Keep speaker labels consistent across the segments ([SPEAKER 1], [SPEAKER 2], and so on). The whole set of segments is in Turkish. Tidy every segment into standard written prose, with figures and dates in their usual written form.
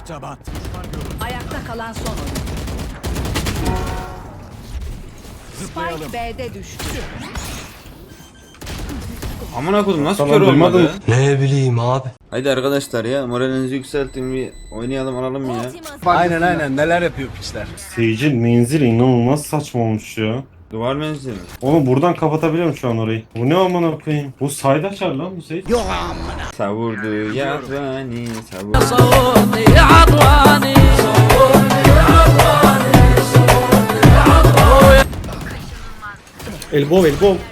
[SPEAKER 1] taban.
[SPEAKER 2] Ayakta kalan son oyuncu.
[SPEAKER 1] Zıplayalım.
[SPEAKER 2] Spike B'de düştü.
[SPEAKER 3] Amına koydum nasıl
[SPEAKER 4] Tamam,
[SPEAKER 3] kör olmadı?
[SPEAKER 4] duymadım.
[SPEAKER 5] Ne bileyim abi.
[SPEAKER 3] Haydi arkadaşlar ya moralinizi yükseltin bir oynayalım alalım ya.
[SPEAKER 1] Aynen neler yapıyor piçler.
[SPEAKER 4] Seyirci menzili inanılmaz saçma olmuş ya.
[SPEAKER 3] Duvar menzili.
[SPEAKER 4] Onu buradan kapatabiliyorum şu an orayı. Bu ne amına koyayım? Bu sayda açar lan bu Seyit.
[SPEAKER 3] Savurdu yavrani savurdu.
[SPEAKER 4] Elbow.
[SPEAKER 2] Bir düşman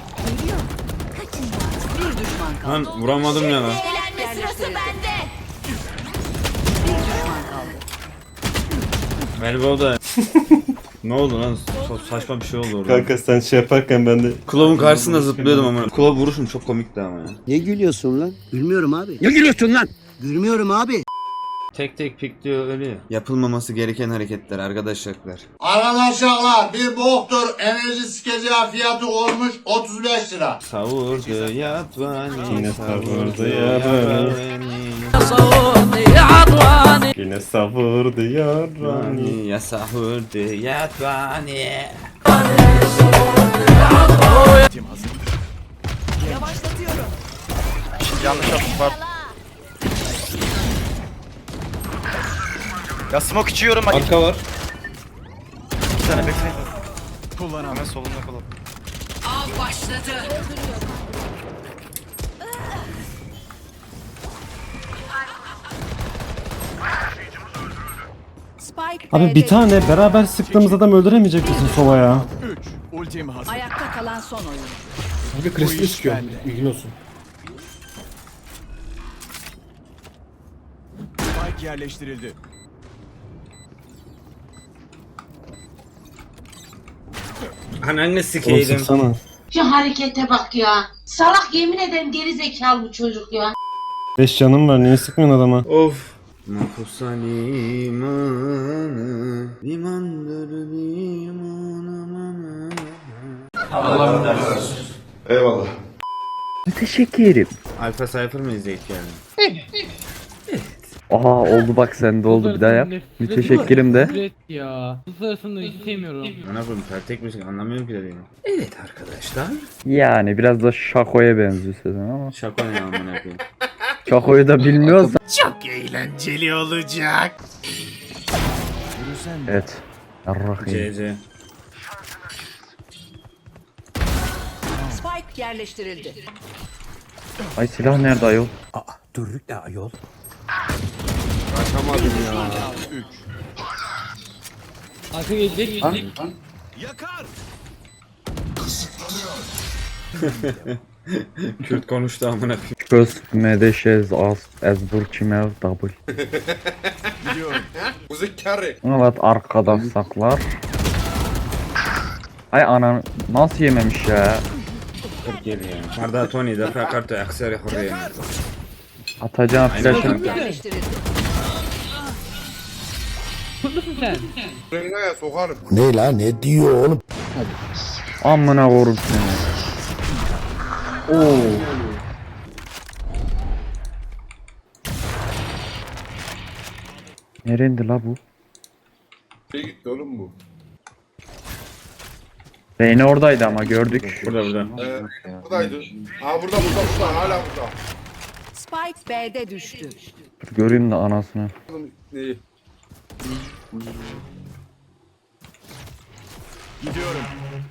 [SPEAKER 2] kaldı.
[SPEAKER 3] Lan vuramadım ya lan.
[SPEAKER 6] Eğlenme sırası bende.
[SPEAKER 2] Bir düşman kaldı.
[SPEAKER 3] Elbow'da. Ne oldu lan? Saçma bir şey oldu orada.
[SPEAKER 4] Kanka sen şey yaparken ben de...
[SPEAKER 3] Kulovun karşısında zıplıyordum ama. Kulov vuruşum çok komikti ama ya.
[SPEAKER 7] Ne gülüyorsun lan? Gülmüyorum abi. Ne gülüyorsun lan? Gülmüyorum abi.
[SPEAKER 3] Tek tek pik diyor ölüyor. Yapılmaması gereken hareketler arkadaşlar.
[SPEAKER 8] Arkadaşlar bir boktur enerji sikeceği fiyatı olmuş 35 lira.
[SPEAKER 3] Savurdu yatvani.
[SPEAKER 4] Yine savurdu Yine savurdu yarani.
[SPEAKER 3] Ya savurdu yatvani.
[SPEAKER 1] Tim hazır.
[SPEAKER 2] Yavaşlatıyorum.
[SPEAKER 9] Yanlış atış var. Ya smoke içiyorum bak.
[SPEAKER 3] Arka var.
[SPEAKER 9] İki tane bekleyin.
[SPEAKER 1] Kullanamam.
[SPEAKER 9] Hemen solunda kalalım.
[SPEAKER 2] Av başladı. Spike
[SPEAKER 4] Abi
[SPEAKER 2] B'de
[SPEAKER 4] bir tane beraber sıktığımız adam öldüremeyecek misin Sova ya?
[SPEAKER 1] 3. Ultim hazır.
[SPEAKER 2] Ayakta kalan son oyuncu.
[SPEAKER 4] Abi
[SPEAKER 1] Kristal sıkıyor.
[SPEAKER 4] İlgin olsun.
[SPEAKER 1] Spike yerleştirildi.
[SPEAKER 3] Ananı
[SPEAKER 4] Oğlum
[SPEAKER 3] sikeydim.
[SPEAKER 4] sıksana.
[SPEAKER 6] Şu harekete bak ya. Salak yemin ederim geri zekalı bu çocuk ya.
[SPEAKER 4] 5 canım var niye sıkmıyorsun adama?
[SPEAKER 3] Of. Mahpusa limanı, limandır liman amanı.
[SPEAKER 8] Eyvallah.
[SPEAKER 10] Teşekkür.
[SPEAKER 3] Alfa Cypher mı izleyip geldin?
[SPEAKER 10] Aha oldu bak sende oldu bir daha yap. Müteşekkirim de.
[SPEAKER 11] Evet ya. Bu sırasında istemiyorum.
[SPEAKER 3] Bana koydum tek müzik anlamıyorum ki dediğini. Evet arkadaşlar.
[SPEAKER 10] Yani biraz da Şako'ya benziyor sesin ama.
[SPEAKER 3] Şaka ne amına koyayım.
[SPEAKER 10] Şako'yu da bilmiyorsan.
[SPEAKER 1] Çok eğlenceli olacak.
[SPEAKER 10] Evet. Yarrahim.
[SPEAKER 3] CC.
[SPEAKER 2] Spike yerleştirildi.
[SPEAKER 10] Ay silah nerede ayol?
[SPEAKER 3] Kaçamadım ya.
[SPEAKER 1] 3.
[SPEAKER 11] Arka gelecek.
[SPEAKER 1] Yakar.
[SPEAKER 3] Kürt konuştu amına koyayım.
[SPEAKER 10] Köz medeşez az ezbur çimev double.
[SPEAKER 1] Gidiyorum.
[SPEAKER 10] Evet arkada saklar. Ay anan nasıl yememiş ya?
[SPEAKER 3] 40 geliyor. Marda Tony defa kartı aksari hurriye.
[SPEAKER 10] Atacağım
[SPEAKER 3] Aynen.
[SPEAKER 10] flash'ını.
[SPEAKER 2] Yerleştirildi.
[SPEAKER 11] Mutlusun sen.
[SPEAKER 7] Ne la ne diyor oğlum?
[SPEAKER 10] Amına korum seni. Oo. Nerendi la bu?
[SPEAKER 8] Gitti oğlum bu.
[SPEAKER 10] Reyna oradaydı ama gördük.
[SPEAKER 3] Burada.
[SPEAKER 8] Buradaydı. Burada hala burada.
[SPEAKER 2] Spike B'de düştü.
[SPEAKER 10] Dur göreyim de anasını.
[SPEAKER 8] Neyi?
[SPEAKER 1] Gidiyorum.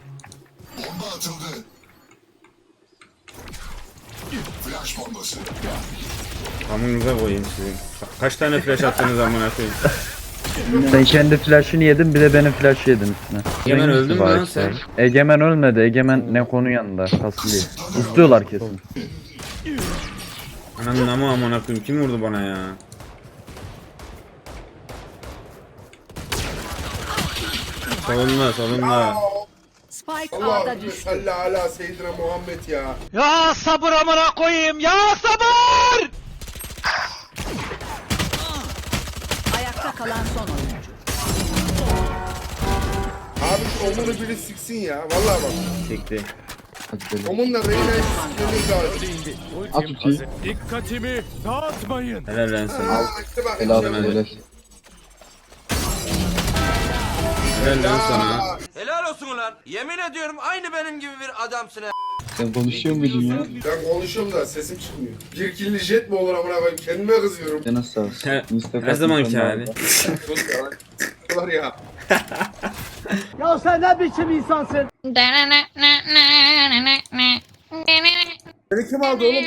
[SPEAKER 3] Amınıza koyayım sizin. Kaç tane flash attınız amına koyayım.
[SPEAKER 10] Sen kendi flash'ını yedin bir de benim flash'ı yedin üstüne.
[SPEAKER 3] Egemen
[SPEAKER 10] Neymiş
[SPEAKER 3] öldün mü
[SPEAKER 10] bu
[SPEAKER 3] lan
[SPEAKER 10] işte?
[SPEAKER 3] sen?
[SPEAKER 10] Egemen ölmedi. Egemen ne konu yanında kasılıyor. İstiyorlar kesin.
[SPEAKER 3] Ananın ama amına koyayım kim vurdu bana ya? Solunda.
[SPEAKER 2] Spike A'da düştü.
[SPEAKER 8] Salli ala Seyyidina Muhammed ya.
[SPEAKER 11] Ya sabır amına koyayım ya sabır!
[SPEAKER 2] Ayakta kalan son oyuncu.
[SPEAKER 8] Abi şu omunu biri siksin ya. Vallahi bak.
[SPEAKER 3] Çekti.
[SPEAKER 8] Onun da Reyna istediğiniz lazım.
[SPEAKER 1] Dikkatimi dağıtmayın.
[SPEAKER 3] Helal lan sana.
[SPEAKER 8] İşte bak.
[SPEAKER 3] Helal lan sana.
[SPEAKER 11] Helal olsun ulan. Yemin ediyorum aynı benim gibi bir adamsın ha.
[SPEAKER 8] Ben konuşuyorum da sesim çıkmıyor. Bir killi jet mi olur amına koyayım? Kendime kızıyorum.
[SPEAKER 3] Her zamanki hali.
[SPEAKER 8] Var ya.
[SPEAKER 7] Ya sen ne biçim insansın?
[SPEAKER 8] Beni kim aldı oğlum?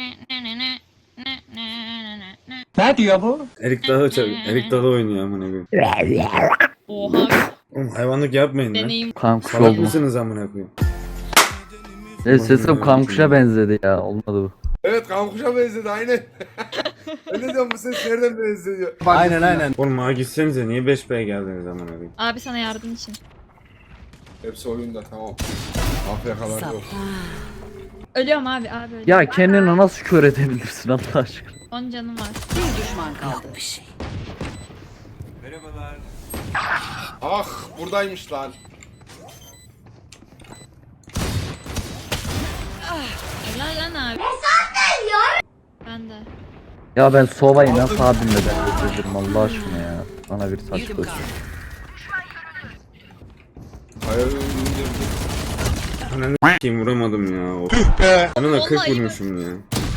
[SPEAKER 7] Ne diyor bu?
[SPEAKER 3] Erik Dalı oynuyor amına koyayım.
[SPEAKER 2] Oha.
[SPEAKER 3] Oğlum hayvanlık yapmayın lan.
[SPEAKER 2] Deneyim.
[SPEAKER 10] Kankuş
[SPEAKER 3] Salak
[SPEAKER 10] oldu.
[SPEAKER 3] mısınız amına koyayım?
[SPEAKER 10] Sesim kankuşa benzedi ya. Olmadı bu.
[SPEAKER 8] Evet kankuşa benzedi aynen. Ben ne diyorum bu ses nereden benziyor?
[SPEAKER 3] Aynen. Oğlum ağa gitsenize niye 5B'ye geldiniz amına koyayım?
[SPEAKER 2] Abi sana yardım için.
[SPEAKER 8] Hepsi oyunda tamam. Afrikalar yok.
[SPEAKER 2] Ölüyorum abi ölüyorum.
[SPEAKER 10] Ya kendini nasıl kör edebilirsin Allah aşkına?
[SPEAKER 2] 10 canım var. Bir düşman kaldı. Bir şey.
[SPEAKER 8] Ah buradaymış lan.
[SPEAKER 2] Helal lan abi. Ben de.
[SPEAKER 10] Ya ben Sova'yı nasıl abimle ben getirdim Allah aşkına ya. Bana bir saç koysun.
[SPEAKER 8] Hayır
[SPEAKER 3] Ananı s**eyim vuramadım ya. Of. Bana da 40 vurmuşum ya.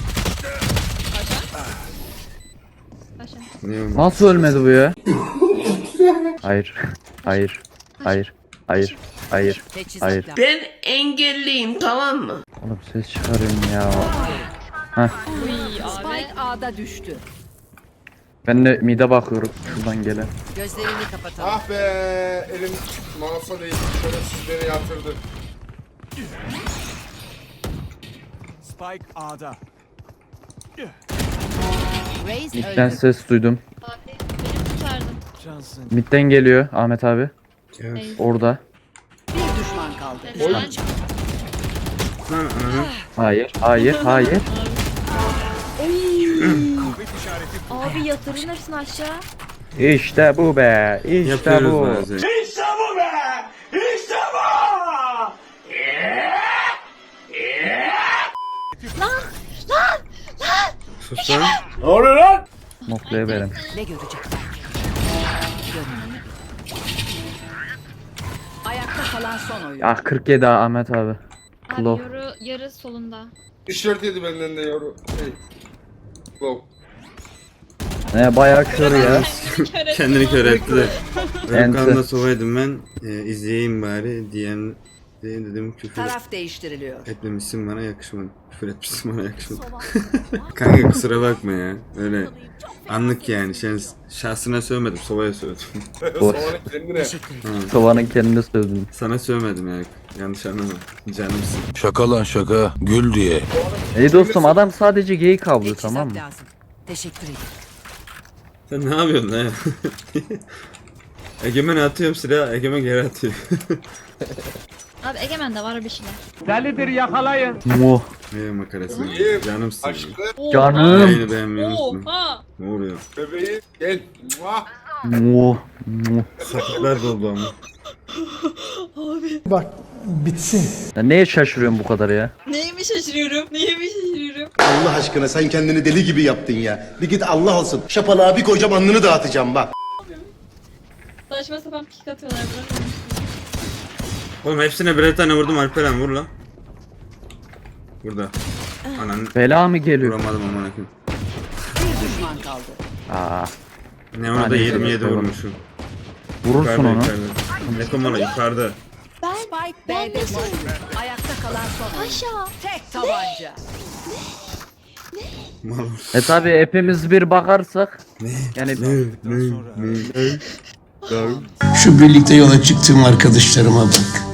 [SPEAKER 2] Paşa.
[SPEAKER 3] Ne oldu?
[SPEAKER 10] Nasıl ölmedi bu ya? Hayır. Hayır. Hayır. Hayır. Hayır. Hayır.
[SPEAKER 6] Ben engelliyim tamam mı?
[SPEAKER 10] Oğlum ses çıkarıyorum ya.
[SPEAKER 2] Spike A'da düştü.
[SPEAKER 10] Ben de mide bakıyorum şuradan gelen.
[SPEAKER 2] Gözlerini kapatalım.
[SPEAKER 8] Ah be elim mouse'a değil. Şöyle sizleri yatırdı.
[SPEAKER 1] Spike A'da.
[SPEAKER 2] Raze
[SPEAKER 10] Midden
[SPEAKER 2] öldü.
[SPEAKER 10] ses duydum.
[SPEAKER 2] Abi beni kurtardım.
[SPEAKER 1] Cansın.
[SPEAKER 10] Midden geliyor Ahmet abi.
[SPEAKER 3] Evet.
[SPEAKER 10] Orada.
[SPEAKER 2] Bir düşman kaldı.
[SPEAKER 3] Lan ananı.
[SPEAKER 10] Hayır. Hayır. Hayır.
[SPEAKER 2] Abi yatırın hepsini aşağı.
[SPEAKER 10] İşte bu be. İşte
[SPEAKER 3] Yapıyoruz
[SPEAKER 10] bu.
[SPEAKER 3] bazen. Sus lan.
[SPEAKER 10] Noktaya verin.
[SPEAKER 2] Ne görecekler? Ayakta kalan son oyun.
[SPEAKER 10] Ah 47 Ahmet abi.
[SPEAKER 2] Abi
[SPEAKER 10] Klo.
[SPEAKER 2] yarı solunda.
[SPEAKER 8] Tişört yedi benden de yavru. Hey. Wow.
[SPEAKER 10] Ne bayağı kör ya.
[SPEAKER 3] Kendini kör etti de.
[SPEAKER 10] Enter.
[SPEAKER 3] Benim kanalda sovaydım ben. İzleyeyim bari diyen dedim küfür
[SPEAKER 2] Taraf değiştiriliyor.
[SPEAKER 3] etmemişsin bana yakışmadı. Küfür etmişsin bana yakışmadı. Kanka kusura bakma ya. Öyle anlık yani. Şahsına sövmedim. Sovaya sövdüm.
[SPEAKER 10] Boş.
[SPEAKER 8] Sonra kendine.
[SPEAKER 10] Sovanın kendini sövdüm.
[SPEAKER 3] Sana sövmedim ya. Yanlış anlama. Canımsın.
[SPEAKER 1] Şaka lan şaka. Gül diye.
[SPEAKER 10] İyi dostum adam sadece geyik avlıyor tamam mı?
[SPEAKER 2] Lazım. Teşekkür ederim.
[SPEAKER 3] Sen ne yapıyorsun lan? Egemen atıyorum silahı. Egemen geri atıyor.
[SPEAKER 2] Abi Egemen'de var bir şeyler.
[SPEAKER 7] Delidir yakalayın.
[SPEAKER 10] Muh.
[SPEAKER 3] Ne makarası.
[SPEAKER 8] İyiyim.
[SPEAKER 3] Canımsın.
[SPEAKER 8] Aşkım.
[SPEAKER 10] Canım.
[SPEAKER 3] Yayını beğenmeyi unutma.
[SPEAKER 2] Oha.
[SPEAKER 3] Ne oluyor?
[SPEAKER 8] Bebeğim gel. Muah.
[SPEAKER 10] Muh. Muh.
[SPEAKER 3] Sakatlar doldu ama.
[SPEAKER 10] Ya neye şaşırıyorsun bu kadar ya?
[SPEAKER 2] Neyimi şaşırıyorum? Neyimi şaşırıyorum?
[SPEAKER 5] Allah aşkına sen kendini deli gibi yaptın ya. Bir git Allah olsun. Şapalığa bir koyacağım alnını dağıtacağım bak.
[SPEAKER 2] Saçma sapan pik atıyorlar. Bırakın.
[SPEAKER 3] Oğlum hepsine birer tane vurdum Alperen vur lan. Burada. Ananı
[SPEAKER 10] Bela mı geliyor?
[SPEAKER 3] vuramadım amına koyayım.
[SPEAKER 2] Bir düşman kaldı.
[SPEAKER 10] Aa,
[SPEAKER 3] Ne ona da
[SPEAKER 10] Hadi
[SPEAKER 3] 27
[SPEAKER 10] bakalım.
[SPEAKER 3] vurmuşum.
[SPEAKER 10] vurursun onu.
[SPEAKER 3] Nekomala yukarıda.
[SPEAKER 2] Spike B'de düştü. Ayakta kalan son oyun. Aşağı. Tek tabanca.
[SPEAKER 3] Mal.
[SPEAKER 10] Tabi hepimiz bir bakarsak. Yani
[SPEAKER 5] Şu birlikte yola çıktığım arkadaşlarıma bak.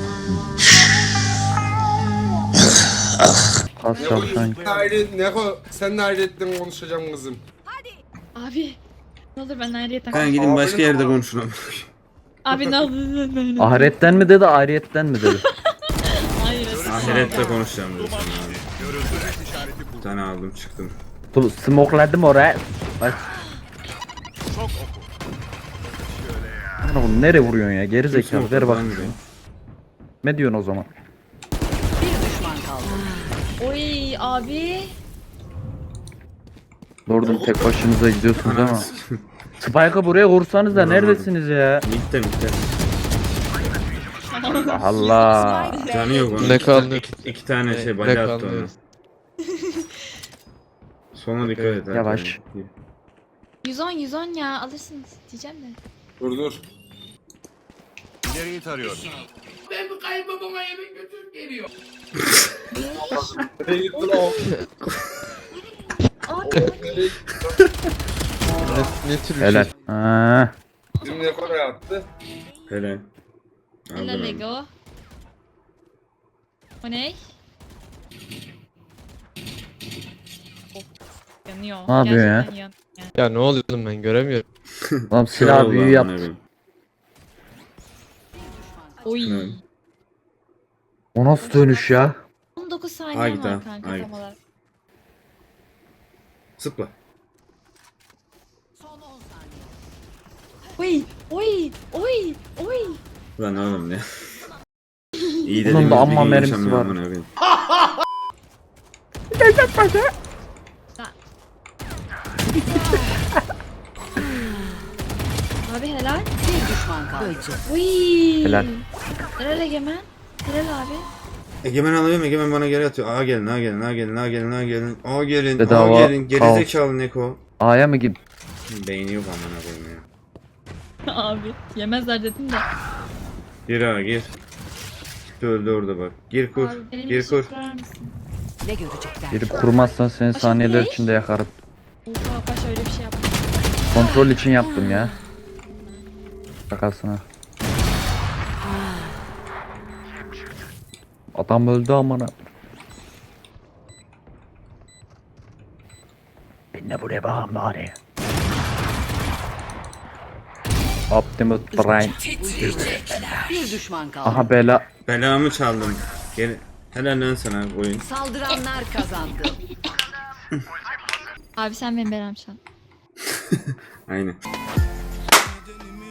[SPEAKER 10] az çalışan.
[SPEAKER 8] Sen de ayrıyetten konuşacağım kızım.
[SPEAKER 2] Abi. Ne olur ben ayrıyetten
[SPEAKER 3] Ben gidin başka yerde konuşun.
[SPEAKER 2] Abi ne olur.
[SPEAKER 10] Ahiretten mi dedi ahiretten mi dedi?
[SPEAKER 2] Hayır.
[SPEAKER 3] Ahirette konuşacağım dedi sana abi. Bir tane aldım çıktım.
[SPEAKER 10] Smokeladım oraya. Bak. Oğlum nereye vuruyorsun ya? Geri zekalı ver bak.
[SPEAKER 3] Smoke'dan
[SPEAKER 10] Ne diyorsun o zaman?
[SPEAKER 2] Bir düşman kaldı. Abi.
[SPEAKER 10] Doğru tek başınıza gidiyorsunuz ama. Spike'ı buraya vursanız da neredesiniz ya?
[SPEAKER 3] Mitte.
[SPEAKER 10] Allah.
[SPEAKER 3] Canı yok onun.
[SPEAKER 11] Ne kaldı?
[SPEAKER 3] İki tane şey
[SPEAKER 11] Ne
[SPEAKER 3] bala attı
[SPEAKER 11] kaldı?
[SPEAKER 3] onu. Sonra dikkat et.
[SPEAKER 10] Yavaş.
[SPEAKER 2] 110 ya alırsınız diyeceğim de.
[SPEAKER 1] Dur. İleriyi tarıyorum.
[SPEAKER 11] Ne tür bir
[SPEAKER 10] Helal.
[SPEAKER 11] şey?
[SPEAKER 10] Ha.
[SPEAKER 3] Helal.
[SPEAKER 2] Helal
[SPEAKER 3] Aldım.
[SPEAKER 2] Lego. O ne? Of, yanıyor.
[SPEAKER 10] Ne yapıyor ya?
[SPEAKER 2] Gerçekten yanıyor.
[SPEAKER 11] Ya ne oluyor oğlum ben göremiyorum.
[SPEAKER 10] Lan silah büyü yaptı.
[SPEAKER 2] Oy.
[SPEAKER 3] Evet.
[SPEAKER 10] O nasıl dönüş ya?
[SPEAKER 2] 19 saniye
[SPEAKER 3] Haydi,
[SPEAKER 2] var kanka
[SPEAKER 3] haydi.
[SPEAKER 2] tam olarak.
[SPEAKER 3] Zıpla.
[SPEAKER 2] Oy.
[SPEAKER 3] Lan oğlum ne? İyi
[SPEAKER 10] Bunun
[SPEAKER 3] dedim.
[SPEAKER 10] da amma mermisi var.
[SPEAKER 2] Abi helal.
[SPEAKER 6] Bir düşman kaldı.
[SPEAKER 2] Oy.
[SPEAKER 10] Helal.
[SPEAKER 2] Helal Egemen. Helal abi.
[SPEAKER 3] Egemen alıyorum, Egemen bana geri atıyor. Ağa gelin.
[SPEAKER 10] Bedava
[SPEAKER 3] Gerizekalı Neko.
[SPEAKER 10] A'ya mı git?
[SPEAKER 3] Beyni yok amına koyayım ya.
[SPEAKER 2] Abi yemezler dedim de.
[SPEAKER 3] Gir ağa gir. Öldü orada bak. Gir kur.
[SPEAKER 2] Abi benim
[SPEAKER 3] Gir
[SPEAKER 2] için
[SPEAKER 3] kur.
[SPEAKER 2] kurar mısın?
[SPEAKER 6] Ne görecekler?
[SPEAKER 10] Girip kurmazsan seni
[SPEAKER 2] Paşa
[SPEAKER 10] saniyeler
[SPEAKER 2] ne?
[SPEAKER 10] içinde yakarım.
[SPEAKER 2] Oha paşa öyle bir şey yapma.
[SPEAKER 10] Kontrol için yaptım ya. Şakasına. Adam öldü amına. Ben de buraya bakayım bari. Optimus Prime.
[SPEAKER 6] Bir düşman kaldı.
[SPEAKER 10] Aha bela.
[SPEAKER 3] Belamı çaldım. Geri. Helal lan sana oyun.
[SPEAKER 6] Saldıranlar kazandı.
[SPEAKER 2] Abi sen benim belamşan.
[SPEAKER 3] Aynen.